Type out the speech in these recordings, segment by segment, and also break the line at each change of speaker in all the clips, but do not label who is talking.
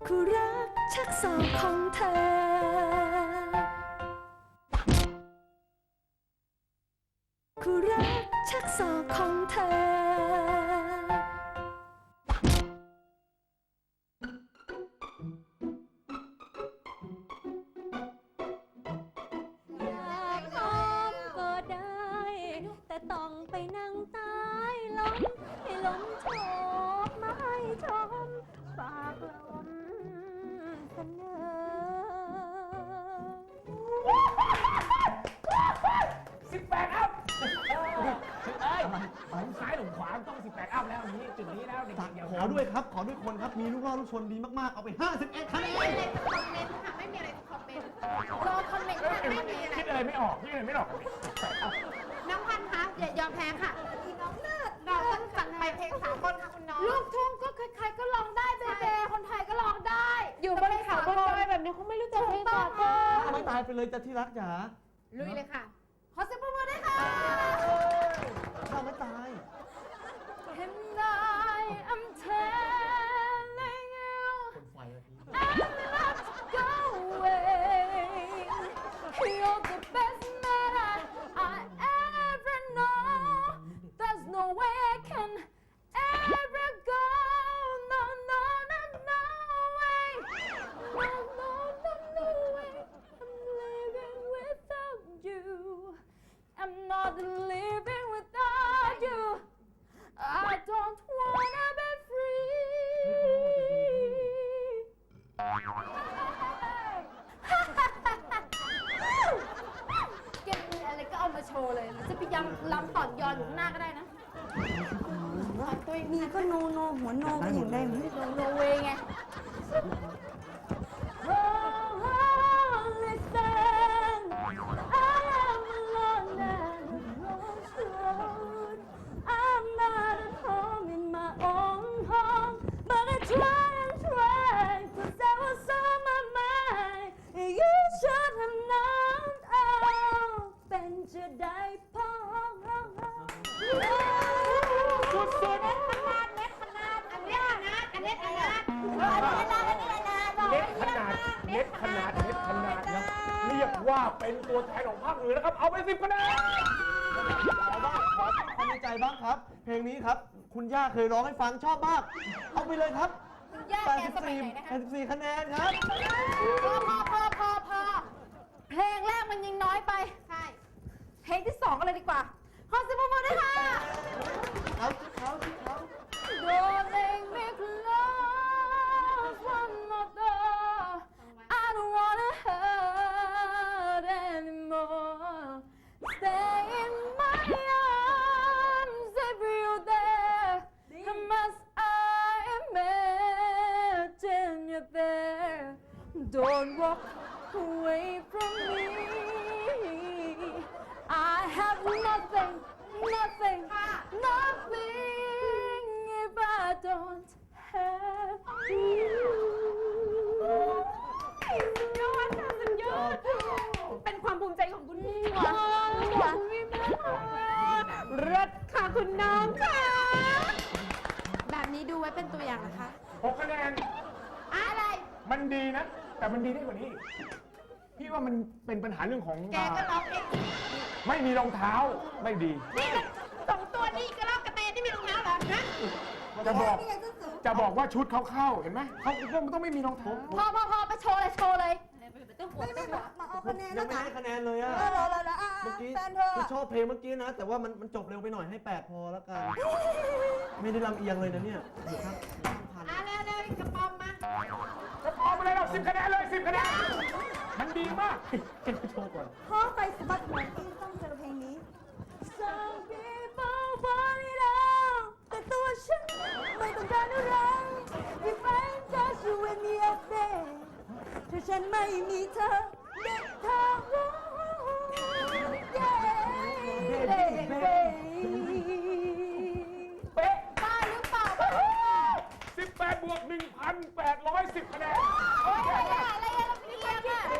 คู่รักชักศอกของเธอคู่รักชักศอกของเธออยากหอมก็ได้ แต่ต้องไปนั่งใต้ลมให้ลมโชบมาให้ชมฝากลมเสนอ
18 อัพหลงซ้ายหลงขวาต้อง18 อัพแล้วนี้จุดนี้แล้วเด็กๆอย่า
ขอด้วยครับ ขอด้วยคนครับ มีลูกล่อลูกชนดีมากๆ เอาไป51คะแนน
คอมเมนต์ค่ะไม่มีอะไรจะคอมเมนต์รอคอมเมนต์ค่ะไม่มีอะไร
คิดอะไรไม่ออกคิดอะไรไม่ออก
น้องพันธุ์คะอย่ายอมแพ้ค่ะอีน้องเลิศเราต้องจัดไปเพลง3 คนค่ะคุณน้องลูกทุ่งก็ใครๆก็ร้องได้เบๆคนไทยก็ร้องได้ อยู่บนเขาบนดอยแบบนี้เขาไม่รู้จักเพลงสากล
ไม่ตายไปเลยจ้ะที่รักจ๋า
ลุยเลยค่ะขอเสียงปรบมือด้วยค่ะ
ข้าไม่ตาย
And I am telling you
คนไฟอะพี่
I'm not going. You're the best man I ever know. There's no way I can ever go. No, no, no, no way. No, no, no, no way. I'm living without you. I'm not living without you. I don't wanna be free. เก็บมีอะไรก็เอามาโชว์เลยหรือจะพยายามลำต่อนยอนอยู่ข้างหน้าก็ได้นะขอตัวเอง
มีก็โนโนหัวโนก็อย่างได้ไหม
โนเวไง Oh, listen, I am alone and lost road. I'm not at home in my own home, but I try and try, 'cause that was on my mind. You should have known, oh, เป็นจะได้พอ
สุดๆ
ขนาดเล็กขนาดอันนี้ขนาดอันนี้ขนาด
เล็กขนาดเล็กขนาดเล็กขนาดนะเรียกว่าเป็นตัวแทนของภาคเหนือนะครับ เอาไป10 คะแนน
ขอบ้างขอความในใจบ้างครับ เพลงนี้ครับ คุณย่าเคยร้องให้ฟังชอบมาก เอาไปเลยครับ
คุณย่าแกสมัยไหนนะคะ
84คะแนนครับ
พอเพลงแรกมันยังน้อยไป ใช่ เพลงที่ 2กันเลยดีกว่า ขอเสียงปรบมือด้วยค่ะ
เขา
Don't make me close one more door. I don't wanna hurt anymore. Stay in my arms if you're there. Must I imagine you're there? Don't walk away from me. I have nothing, nothing, nothing if I don't have you. สุดยอดค่ะสุดยอด เป็นความภูมิใจของคุณพี่ค่ะคุณพี่มากรถค่ะคุณน้องค่ะ แบบนี้ดูไว้เป็นตัวอย่างนะคะ
6 คะแนน
อะไร
มันดีนะ แต่มันดีได้กว่านี้ พี่ว่ามันเป็นปัญหาเรื่องของ
แกก็ร้องเอง
ไม่มีรองเท้าไม่ดี
นี่มัน2 ตัวนี่กระรอกกระเตนที่มีรองเท้าเหรอฮะ
จะบอกว่าชุดเขาเข้าเห็นไหมเขามันต้องไม่มีรองเท้า
พอไปโชว์เลยโชว์เลย
ไม่มาเอาคะแนน
ยั
นะ
งไม่
จ๊ะ
ให้คะแนนเลยอะ
รออ่ะ
เมื่อกี้
แฟนเธอ
คือชอบเพลงเมื่อกี้นะ แต่ว่ามันจบเร็วไปหน่อยให้8พอแล้วกัน ไม่ได้ลำเอียงเลยนะเนี่ยดูครับพัน
เร็วกระป๋อมมา
ก็พอมาเลยเรา10 คะแนนเลย10 คะแนน มันดีมากให้โชว์ก่อน
พ่อไปสะบัดหัวที่ต้องเจอเพลงนี้ Some people want it all แต่ตัวฉันไม่ต้องการอะไร If I touch you with me up there ถ้าฉันไม่มีเธอเด็กเธอ
เป๊ะ
บ้าหรือเปล่า
18 บวก 1,810 คะแนน
โอ๊ยอะไรเราเพียงอ่ะ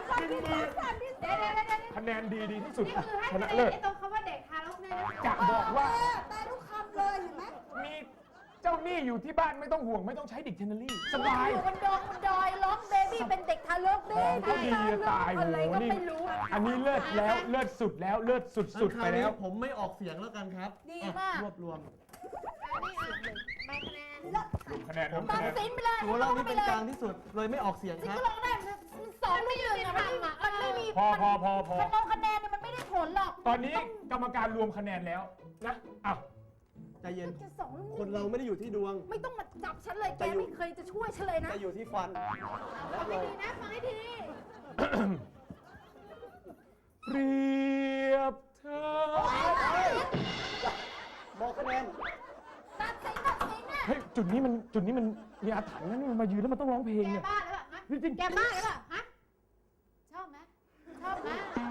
คะแนนดีที่สุด
นี่คือให้
ช
คะ
นะ
แน
เลิ
น
ศ
ไอ้ตรงคำว่าเด็กทารกเนี่ยนะ
จะบอกว่า
ได้ทุกคำเลยเห็นไหม
มีเจ้าหนี้นี่อยู่ที่บ้านไม่ต้องห่วงไม่ต้องใช้ดิกชันนารีสบาย
อยู่บนดงบนดอยร้องเบบี้เป็นเด็กทารกเบ
ก็ดี
บี้
จะตายโห
อะไรก็
นี่
ไม่รู้
อันนี้เลิศแล้วเลิศสุดแล้วเลิศสุดๆไปแล้ว
ผมไม่ออกเสียงแล้วกันครับ
ดี
อ่ะ
มาก
รวบรวม
ใบคะแนน
คะแนน
ตัด
คะแนน
สินไปเลย
ตัวเรานี่เป็นกลางที่สุดเลยไม่ออกเสียง
สิ
ครับ
ก็ร้องได้มันสองไม่หนึ่งอะมันไม่มี
พอ
คะแนนคะแนนเนี่ยมันไม่ได้ผลหรอก
ตอนนี้กรรมการรวมคะแนนแล้วนะอ้าว
ใจเย็น
จะสอง
คนเราไม่ได้อยู่ที่ดวง
ไม่ต้องมาจับฉันเลยแกไม่เคยจะช่วยฉันเลยนะ
จะอยู่ที่ฟัน
ฟังให้ดีนะฟังให้ดี
เปรียบเธอ
บอกคะแนน
ตัดสินนะ
เฮ้ยจุดนี้มันมีอาถรรพ์นะนี่มันมายืนแล้วมันต้องร้องเพลง
แก
เนี่ย
บ้าหรือเปล่าฮะ
จริง
แกบ้าหรือเปล่าฮะชอบไหมชอบไหม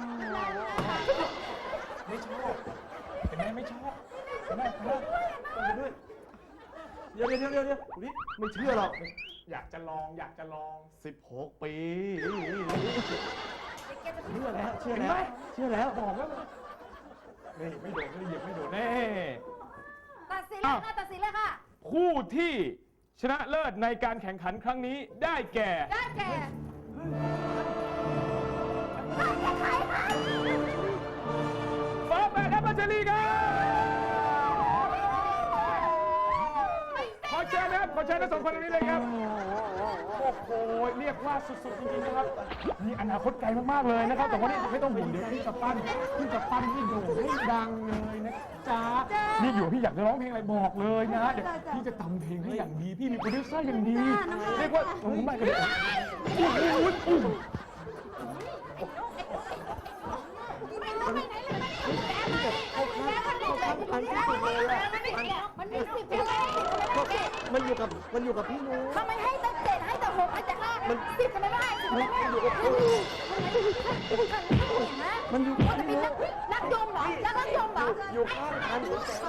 ๆไม่ชอบเห็นไหมไม่ชอบเห็นไหม
ด้วยเดี๋ยวนี่ไม่เชื่อหรอก
อยากจะลอง
16 ปี
แกจะ
เชื่อแล้ว เชื่อ
เห็น
แล้
ไหม
ว เชื่อแล้ว
บอกแล้วนี่ไม่โดนไม่เหยียบไม่โดนแน่
ตัดสินเลยค่ะตัดสินเลยค่ะ
คู่ที่ชนะเลิศในการแข่งขันครั้งนี้ได้แก่
ได้แก่ใครคะ
ฟ้าแฝดและพัชรีครับขอเชิญนะครับขอเชิญทั้งสองคนตรงนี้เลยครับ โอ้โห เรียกว่าสุดๆจริงๆนะครับนี่อนาคตไกลมากๆเลยนะครับ แต่ว่านี่ไม่ต้องห่วงเดี๋ยวพี่จะปั้นให้โด่งให้ดังเลยนะจ๊ะนี่อยู่พี่อยากจะร้องเพลงอะไรบอกเลยนะเดี๋ยวพี่จะทำเพลงให้อย่างดี พี่มีโปรดิวเซอร์อย่างดี เรียกว่าผมไม่กันเลยโอ้โห
มันมีสิบเพลง
มันอยู่กับพี่นุ้ย
ทำไมให้แต่เจ็ดให้แต่หกให้แต่ห้าสิบทำไมไม่ให้สิบทำไมไม่ให้มันอยู่กับพี่นุ้ยนักยมเหรอนักยมเหรอ
อยู่ข้างกัน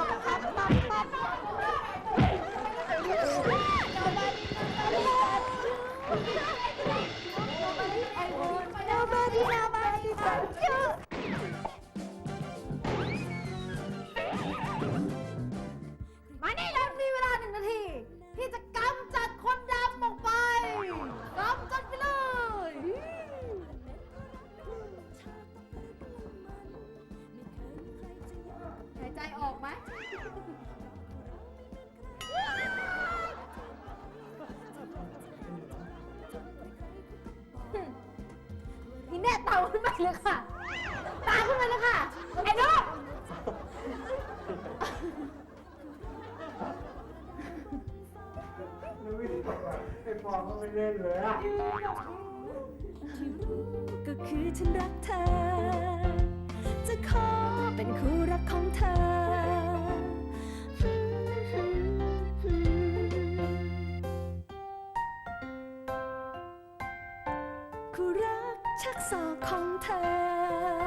Nobody, nobody but you มานี่เรามีเวลา1 นาที ที่จะกำจัดคนดำออกไปกำจัดไปเลยหายใจออกไหมทีแน่เต่าขึ้นไปเลยค่ะ ตาขึ้นไปเลยค่ะ ไอ้นก
ไอ้ปอก็ไม่เล่นเลยอะ
ก็คือฉันรักเธอ จะขอเป็นคู่รักของเธอ คู่รักชักศอกของเธอ